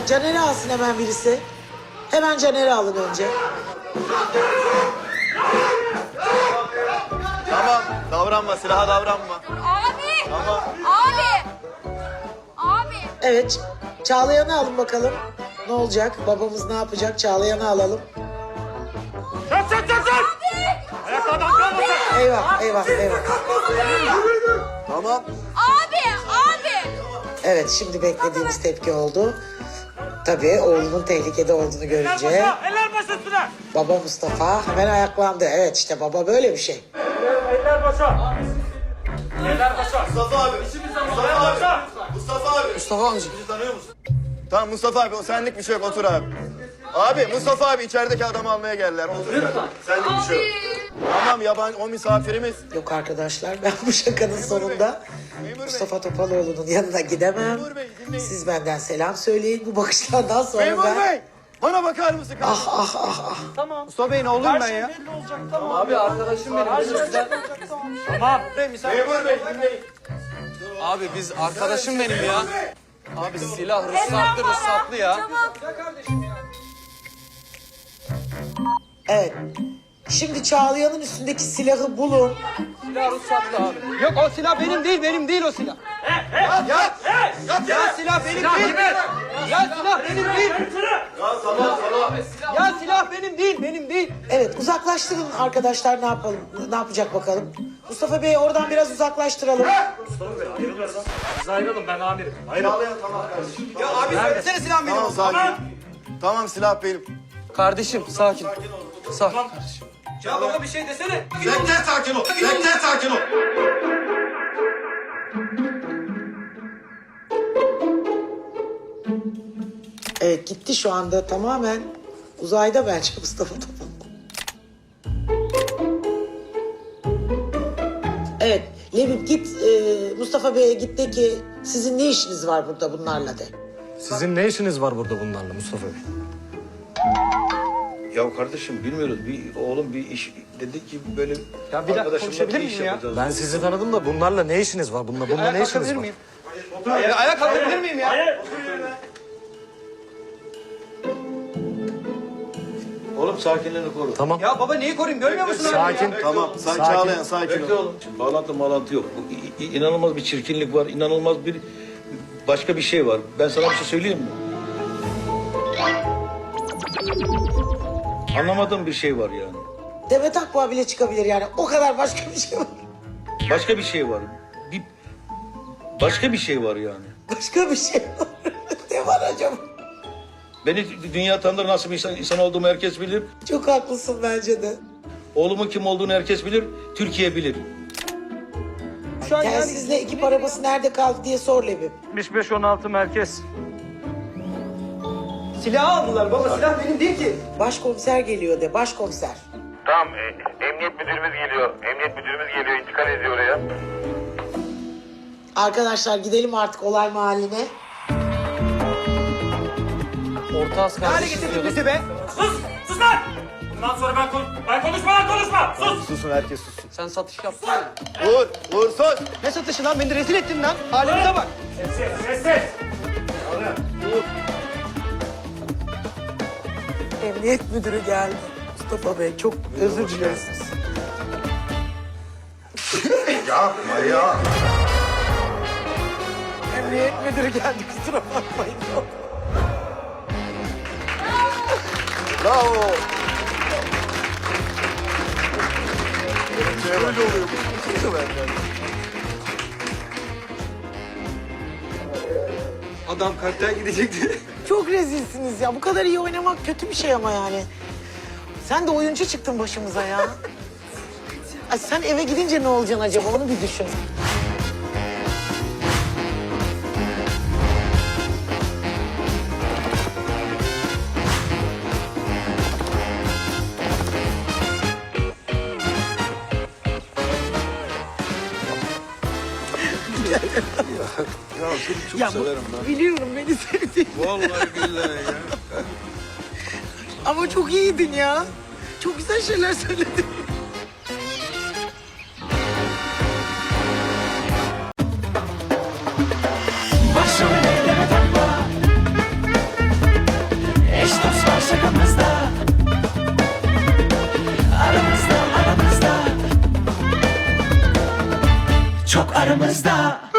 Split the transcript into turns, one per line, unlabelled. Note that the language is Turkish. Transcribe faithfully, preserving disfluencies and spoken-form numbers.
Caner'i alsın hemen birisi. Hemen Caner'i alın önce.
Tamam, davranma, silaha davranma.
Abi!
Tamam.
Abi! Abi!
Evet, Çağlayan'ı alın bakalım. Ne olacak? Babamız ne yapacak? Çağlayan'ı alalım.
Çök çök çök çök! Ayaklardan kalmasın!
Eyvah, eyvah, eyvah.
Tamam.
Abi! Abi!
Evet, şimdi beklediğimiz tepki oldu. Tabii oğlunun tehlikede olduğunu
Eller
görünce
başa! Eller baş üstüne!
baba Mustafa hemen ayaklandı. Evet, işte baba böyle bir şey.
Eller başa! Eller başa!
Mustafa abi.
Eller başa!
Mustafa abi.
Mustafa amca.
Bizi tanıyor musun? Tamam Mustafa abi, o senlik bir şey yok, otur abi. Abi Mustafa abi içerideki adamı almaya geldiler. Otur lütfen. Senlik bir şey yok. Tamam, yabancı o misafirimiz.
Yok arkadaşlar, ben bu şakanın sonunda Mustafa Topaloğlu'nun yanına gidemem.
Memur Bey, dinleyin.
Siz benden selam söyleyin. Bu bakışlardan sonra
Memur
ben...
Bey, bana bakar mısın?
Ah ah ah ah.
Mustafa Bey ne oğlum ben ya?
Abi arkadaşım benim. Tamam.
Memur Bey dinleyin.
Abi biz arkadaşım benim ya. Abi silah ruhsatlı ruhsatlı ya.
Evet. Şimdi Çağlayan'ın üstündeki silahı bulun.
Silah ruhsatlı abi. Yok o silah benim değil, benim değil o silah.
Yat, yat.
Ya silah benim değil. Ya silah benim değil.
Ya salak salak.
Ya silah benim değil, benim değil.
Evet, uzaklaştırın arkadaşlar, ne yapalım? Ne yapacak bakalım? Mustafa Bey'i oradan biraz uzaklaştıralım.
Biz ayrılın, ben amirim.
Çağlayan tamam kardeşim.
Ya abi söylesene silah benim.
Tamam sakin. Tamam silah benim.
Kardeşim sakin. Sakin kardeşim. Ya baba bir şey desene.
Bekle sakin ol. Bekle sakin ol.
Evet, gitti şu anda tamamen. Uzayda bence Mustafa Topaloğlu. Evet, Lebip git e, Mustafa Bey'e git de ki sizin ne işiniz var burada bunlarla de.
Sizin ne işiniz var burada bunlarla Mustafa Bey?
Ya kardeşim bilmiyoruz. Bir oğlum bir iş dedi ki böyle
Ya bir dakika
arkadaşımla
konuşabilir
bir iş
miyim ya?
yapacağız.
Ben sizi tanıdım da bunlarla ne işiniz var? Bununla, bununla ne
Ayak
işiniz
kalkabilir
var?
miyim? Ya, ayak kalkabilir miyim ya?
Hayır.
Oğlum sakinliğini koru.
Tamam.
Ya baba neyi koruyayım görmüyor musun?
Sakin.
Tamam, sen
Sakin.
Çağlayan sakin
Bekle
ol.
oğlum. Şimdi bağlantı mağlantı yok. Bu, i- i- inanılmaz bir çirkinlik var. İnanılmaz bir başka bir şey var. Ben sana bir şey söyleyeyim mi? Anlamadığım bir şey var yani.
Demet Akbağ bile çıkabilir yani. O kadar başka bir şey var.
Başka bir şey var. Bir başka bir şey var yani.
Başka bir şey var. Ne var acaba?
Beni dünya tanır, nasıl bir insan, insan olduğumu herkes bilir.
Çok haklısın bence de.
Oğlumun kim olduğunu herkes bilir. Türkiye bilir.
Şu an yani
Telsizle ekip arabası nerede kaldı diye sor Lebip.
yetmiş beş on altı merkez.
silahı aldılar baba silah benim değil ki.
Başkomiser geliyor de, başkomiser.
Tamam, e, emniyet müdürümüz geliyor. Emniyet müdürümüz geliyor, intikal ediyor oraya.
Arkadaşlar gidelim artık olay mahalline.
Orta az kardeşim getirdin bizi be.
Sus! Sus lan! Bundan sonra ben, kon ben konuşma lan konuşma! Sus!
Susun, herkes sussun.
Sen satış yaptın ya.
Vur, vur sus.
Ne satışı lan beni rezil ettin lan. Halimize bak.
Sessiz, sessiz!
Emniyet müdürü geldi. Mustafa Bey çok özür dileriz.
Yapma ya.
Emniyet müdürü geldi, kusura bakmayın.
Bravo. Böyle oluyor. Bu benden.
Adam kalpten gidecekti.
Çok rezilsiniz ya. Bu kadar iyi oynamak kötü bir şey ama yani. Sen de oyuncu çıktın başımıza ya. Ay sen eve gidince ne olacaksın acaba, onu bir düşün.
Ya seni çok
Ya bu-
severim ben.
Biliyorum beni sevdiğini.
Vallahi billahi ya.
Ama çok iyiydin ya. Çok güzel şeyler söyledin.
Başımı elleme takma. çok aramızda.